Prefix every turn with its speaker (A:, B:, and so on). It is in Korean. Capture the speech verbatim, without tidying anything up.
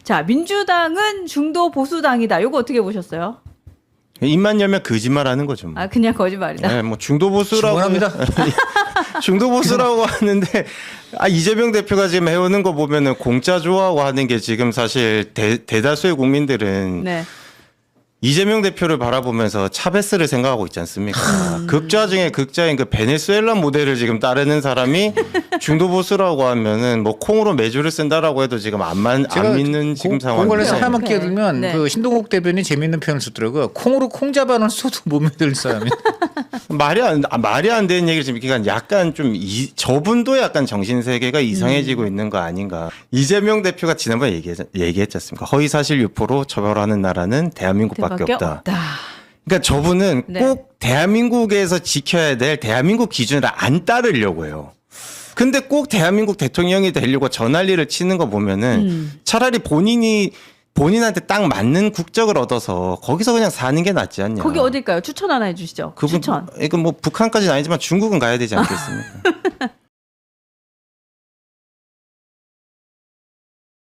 A: 자, 민주당은 중도 보수당이다. 이거 어떻게 보셨어요?
B: 입만 열면 거짓말하는 거죠. 뭐.
A: 아, 그냥 거짓말이다.
B: 네, 뭐 중도 보수라고
C: 충분합니다.
B: 중도 보수라고 하는데 아 이재명 대표가 지금 해오는 거 보면은 공짜 좋아하고 하는 게 지금 사실 대, 대다수의 국민들은
A: 네.
B: 이재명 대표를 바라보면서 차베스를 생각하고 있지 않습니까?
A: 음.
B: 극좌 중에 극좌인 그 베네수엘라 모델을 지금 따르는 사람이 중도 보수라고 하면은 뭐 콩으로 매주를 쓴다라고 해도 지금 안, 만, 안 믿는 지금 상황인데.
C: 공간에서 하나만
A: 네.
C: 끼어들면
A: 네.
C: 그 신동욱 대변인 재밌는 표현을 쓰더라고요. 콩으로 콩 잡아놓은 소도 못 믿을 사람이.
B: 말이 안 아, 말이 안 되는 얘기를 지금 그러니까 약간 좀 이, 저분도 약간 정신 세계가 이상해지고
A: 음.
B: 있는 거 아닌가. 이재명 대표가 지난번에 얘기했, 얘기했지 않습니까? 허위 사실 유포로 처벌하는 나라는 대한민국밖에
A: 밖에
B: 없다.
A: 없다.
B: 그러니까 저분은
A: 네.
B: 꼭 대한민국에서 지켜야 될 대한민국 기준을 안 따르려고 해요. 근데 꼭 대한민국 대통령이 되려고 저 난리를 치는 거 보면은
A: 음.
B: 차라리 본인이 본인한테 딱 맞는 국적을 얻어서 거기서 그냥 사는 게 낫지 않냐.
A: 거기 어딜까요? 추천 하나 해주시죠.
B: 그분,
A: 추천.
B: 이건 뭐 북한까지는 아니지만 중국은 가야 되지 않겠습니까?